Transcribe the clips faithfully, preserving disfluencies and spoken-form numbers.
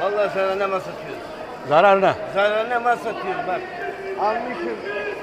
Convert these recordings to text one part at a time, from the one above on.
Vallahi sana ne mal satıyoruz. Zararına. Zararına mal satıyoruz bak. Almışım.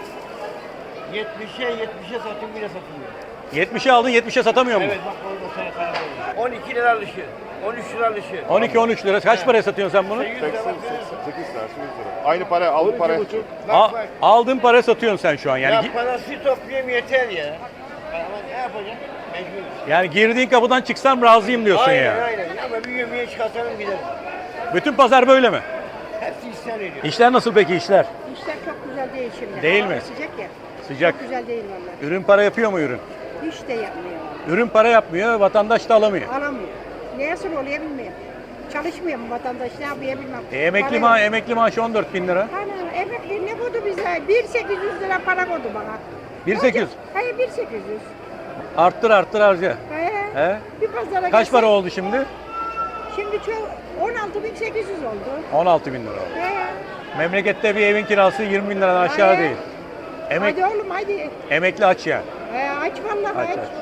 yetmişe yetmişe satayım bile satılmıyor. yetmişe aldın, yetmişe satamıyor mu? Evet bak orada sana karar on iki lira alışı. on üç lira alışı. on iki on üç lira. Kaç paraya satıyorsun sen bunu? yüz lira bak. sekiz tanesi yüz lira. Aynı para alıp para. Bak A- bak. aldığın paraya satıyorsun sen şu an. Yani Ya gi- parası toplayayım yeter ya. Ama ne yapacağım? Mecbur. yani girdiğin kapıdan çıksam razıyım diyorsun Aynen yani. aynen. Ama bir yemeğe çıkartalım gidelim. Bütün pazar böyle mi? Hepsi isyan ediyor. İşler nasıl peki işler? İşler çok güzel değil şimdi. Değil Hava mi? Sıcak ya. Sıcak. Çok güzel değil vallahi. Ürün para yapıyor mu ürün? Hiç de yapmıyor. Ürün para yapmıyor, vatandaş da alamıyor. Alamıyor. Neye sır oluyor bilmiyorum. Çalışmıyor mu vatandaş ne yapıyor bilmem. E, emekli, Para ma yok. emekli maaşı on dört bin lira. Ana emekli ne koydu bize? bin sekiz yüz lira para koydu bana. bin sekiz yüz. Hayır bin sekiz yüz. Arttır arttır harca. He. He? Bir pazara Kaç gitsek- para oldu şimdi? Şimdi çok on altı bin sekiz yüz oldu. on altı bin lira oldu. He. Memlekette bir evin kirası yirmi bin liradan aşağı Hayır. değil. Emek, Hadi oğlum hadi. emekli aç yani. He, aç vallahi Aç, aç. aç. Aç.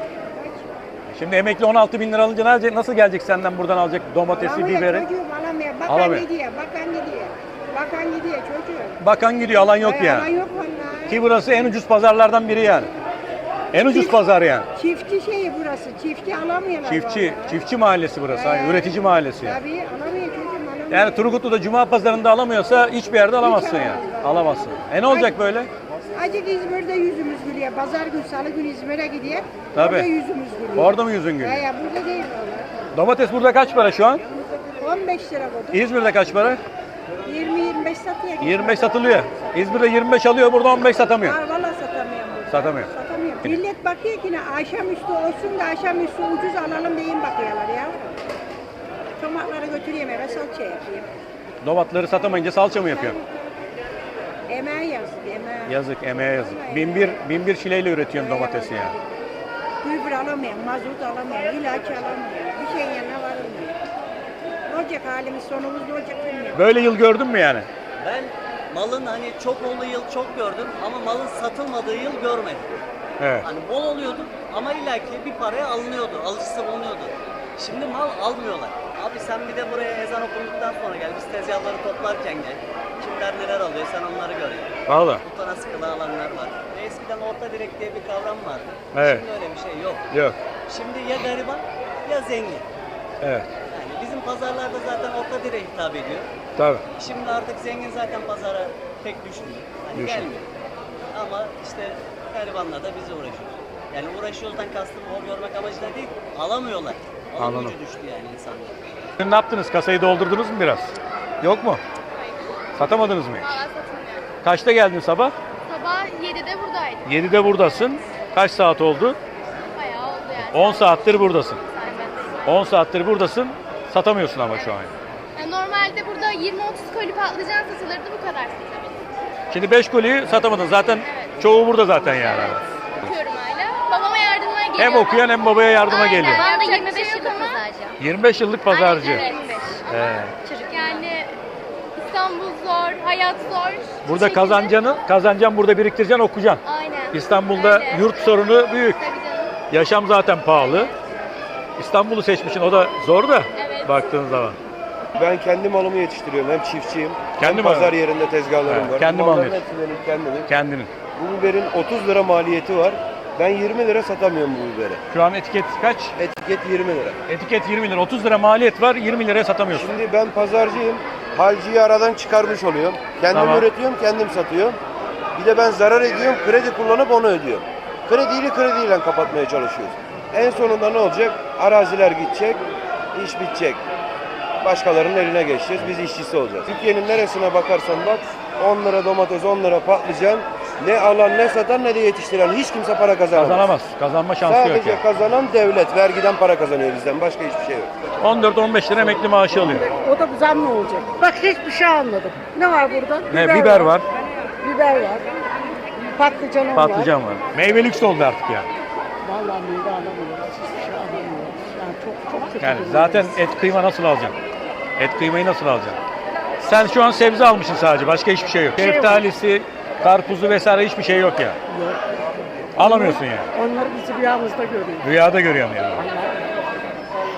Şimdi emekli on altı bin lira alınca nerede- nasıl gelecek senden buradan alacak domatesi, Alamıyor biberi? çocuğum alamıyor. Bakan Alamıyor. gidiyor, bakan gidiyor. Bakan gidiyor çocuğum. Bakan gidiyor, alan yok Hay, alan yani. yok vallahi. Ki burası en ucuz pazarlardan biri yani. En ucuz Çift- pazar yani. Çiftçi şeyi burası. Çiftçi alamıyorlar. Çiftçi, vallahi. çiftçi mahallesi burası. He. Hani üretici mahallesi yani. Tabii alamıyor çocuğum alamıyor. Yani Turgutlu'da cuma pazarında alamıyorsa hiçbir yerde alamazsın yani. alamaz. Alamazsın. E ne olacak böyle? Acık İzmir'de yüzümüz gülüyor. Pazar gün, salı gün İzmir'e gidiyor. Tabii. Orada yüzümüz gülüyor. Orada mı yüzün gülüyor? Ya, ya burada değil valla. Domates burada kaç para şu an? on beş lira koyduk. İzmir'de kaç para? yirmi yirmi beş satıyor. yirmi beş satılıyor. İzmir'de yirmi beş alıyor, burada on beç satamıyor. Var valla satamıyorum burada. Satamıyor. Satamıyor. Millet bakıyor ki ne akşamüstü olsun da akşamüstü ucuz alalım deyin bakıyorlar ya. Tomatları götüreyim eve salça yapayım. Domatları satamayınca salça mı yapıyor? Emeğe yazık emeğe. Yazık, emeğe yazık. Bin bir, bin bir şileyle üretiyorsun domatesi yani. Gübre alamıyorum, mazot alamıyorum, ilaç alamıyorum. Bir şeyin yanına varılmıyor. Ne olacak halimiz, sonumuz ne olacak bilmiyorum. Böyle yıl gördün mü yani? Ben malın hani çok olduğu yıl çok gördüm ama malın satılmadığı yıl görmedim. Evet. Hani bol oluyordu ama illaki bir paraya alınıyordu, alıcısı bulunuyordu. Şimdi mal almıyorlar. Abi sen bir de buraya ezan okunduktan sonra gel, biz tezgahları toplarken gel. Kimler neler alıyor sen onları gör yani. Valla. Butona sıkılı alanlar var. Eskiden orta direk diye bir kavram vardı. Evet. Şimdi öyle bir şey yok. Yok. Şimdi ya gariban ya zengin. Evet. Yani bizim pazarlarda zaten orta direğe hitap ediyor. Tabii. Şimdi artık zengin zaten pazara pek düşmüyor. Hani Düşmüyor. gelmiyor. Ama işte garibanla da biz uğraşıyoruz. Yani uğraşıyoruzdan kastım o görmek amacıyla değil, alamıyorlar. Alım Anladım. gücü düştü yani insanlar. Ne yaptınız? Kasayı doldurdunuz mu biraz? Yok mu? Satamadınız mı hiç? Valla satılmıyor. Kaçta geldin sabah? Sabah yedide buradaydım. yedide buradasın. Kaç saat oldu? Bayağı oldu yani. on saattir buradasın. Saymadım. on saattir buradasın. Satamıyorsun ama şu an. Yani normalde burada yirmi otuz koli patlıcan satılırdı, bu kadar satabilirim. Şimdi beş koliyi satamadın. Zaten çoğu burada zaten yani. Okuyorum hala. Babama yardımına geliyorum. Hem okuyan hem babaya yardıma Aynen. geliyor. Ben de Yapacak yirmi bir beş şey yok yıllık ama. pazarcı. yirmi beş yıllık pazarcı. Aynen, evet. He. Çocuk yani İstanbul zor, hayat zor. Bu Burada şekilde- kazancanı, kazancan burada biriktireceksin, okuyacaksın. Aynen. İstanbul'da Öyle. yurt sorunu büyük. Tabii canım. Yaşam zaten pahalı. İstanbul'u seçmişsin, o da zor da Evet. baktığın zaman. Ben kendi malımı yetiştiriyorum. Hem çiftçiyim. Kendi hem malı. pazar yerinde tezgahlarım Evet, var. kendi Bu malını malların hepsi benim kendimin. Kendinin. Bu biberin otuz lira maliyeti var. Ben yirmi lira satamıyorum bu biberi. Şu an etiket kaç? Etiket yirmi lira. Etiket yirmi lira. otuz lira maliyet var, yirmi liraya satamıyorsun. Şimdi ben pazarcıyım. Halciyi aradan çıkarmış oluyorum. Kendim Tamam. üretiyorum, kendim satıyorum. Bir de ben zarar ediyorum, kredi kullanıp onu ödüyorum. Krediyle krediyle kapatmaya çalışıyoruz. En sonunda ne olacak? Araziler gidecek, iş bitecek. Başkalarının eline geçeceğiz, biz işçisi olacağız. Türkiye'nin neresine bakarsan bak, on lira domates, on lira patlıcan, ne alan ne satan ne de yetiştiren hiç kimse para kazanamaz. Kazanamaz. Kazanma şansı yok Sadece yani. kazanan devlet, vergiden para kazanıyor bizden, başka hiçbir şey yok. on dört on beş lira emekli maaşı alıyor. O da zam ne olacak? Bak hiçbir şey almadım. Ne var burada? Ne, biber var, Biber var. Patlıcanım var. patlıcan var. Meyve lüks oldu artık yani. Vallahi meyve alamıyoruz. Hiçbir şey alamıyoruz. Yani çok çok kötü. Yani durumdayız. zaten et kıyma nasıl alacaksın? Et kıymayı nasıl alacaksın? Sen şu an sebze almışsın sadece, başka hiçbir şey yok. Şey yok. Şeftalisi, karpuzu vesaire hiçbir şey yok ya. Yok. Alamıyorsun yani. Onları bizi rüyamızda görüyoruz. Rüyada görüyorsun yani.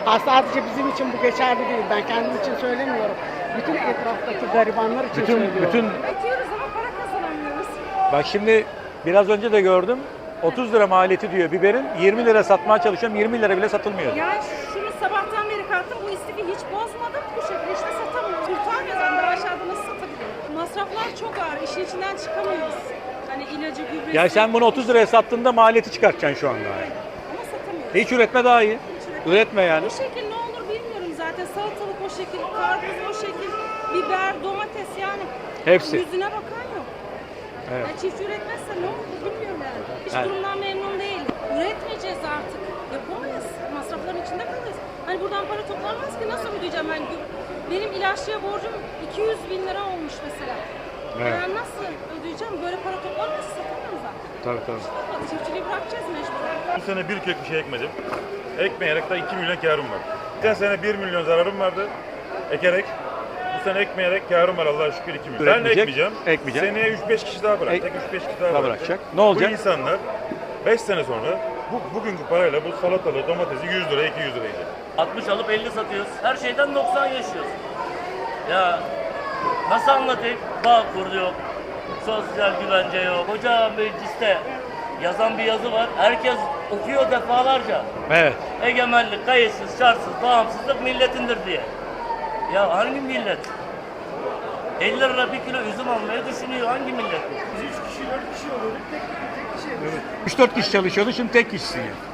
Ha, sadece bizim için bu geçerli değil. Ben kendim için söylemiyorum. Bütün etraftaki garibanlar için Bütün söylüyorum. bütün Üretiyoruz ama para kazanamıyoruz. bak şimdi biraz önce de gördüm. otuz lira maliyeti diyor biberin. yirmi lira satmaya çalışıyorum. yirmi lira bile satılmıyor. Ya şunu sabahtan beri kalktım, bu istifi hiç bozmadım. Bu şekilde işte satamıyoruz. Kurtarmıyoruz. Yani daha aşağıda nasıl satabilirim? Masraflar çok ağır. İşin içinden çıkamıyoruz. Hani ilacı, gübresi. Ya sen bunu otuz liraya sattığında maliyeti çıkartacaksın şu anda. Ama satamıyoruz. Hiç üretme daha iyi. Üretme yani. Bu şekil ne olur bilmiyorum zaten. Salatalık o şekil, karpuz o şekil, biber, domates yani. Hepsi. Yüzüne bakan yok. Evet. Yani çiftçi üretmezse ne olur bilmiyorum yani. Hiç Evet. durumdan memnun değil. Üretmeyeceğiz artık. Yapamayız. Masrafların içinde kalırız. Hani buradan para toplanmaz ki nasıl ödeyeceğim ben? Benim ilaççıya borcum iki yüz bin lira olmuş mesela. Evet. Ben nasıl ödeyeceğim? Böyle para toplanmaz satamıyorum zaten. Tabii tabii. Yapalım. Çiftçiliği bırakacağız mecburen. Bu sene bir kök bir şey ekmedim. Ekmeyerek de iki milyon karım var. Geçen sene bir milyon zararım vardı. Ekerek. Bu sene ekmeyerek karım var Allah'a şükür iki milyon. Ben de Üretmeyecek, ekmeyeceğim. ekmeyecek. Seneye üç beş kişi daha bırakacak. üç beş kişi daha Daha bırakacak. bırakacak. Ne olacak? Bu insanlar beş sene sonra bu, bugünkü parayla bu salatalığı, domatesi yüz lira, iki yüz lira yiyecek. altmış alıp elli satıyoruz. Her şeyden doksan yaşıyoruz. Ya nasıl anlatayım? Bağkur yok, sosyal güvence yok. Koca mecliste yazan bir yazı var. Herkes okuyor defalarca. Evet. Egemenlik, kayıtsız, şartsız, bağımsızlık milletindir diye. Ya hangi millet? elli lira bir kilo üzüm almayı düşünüyor. Hangi millet? üç dört kişi çalışıyordu. Şimdi tek kişisin ya.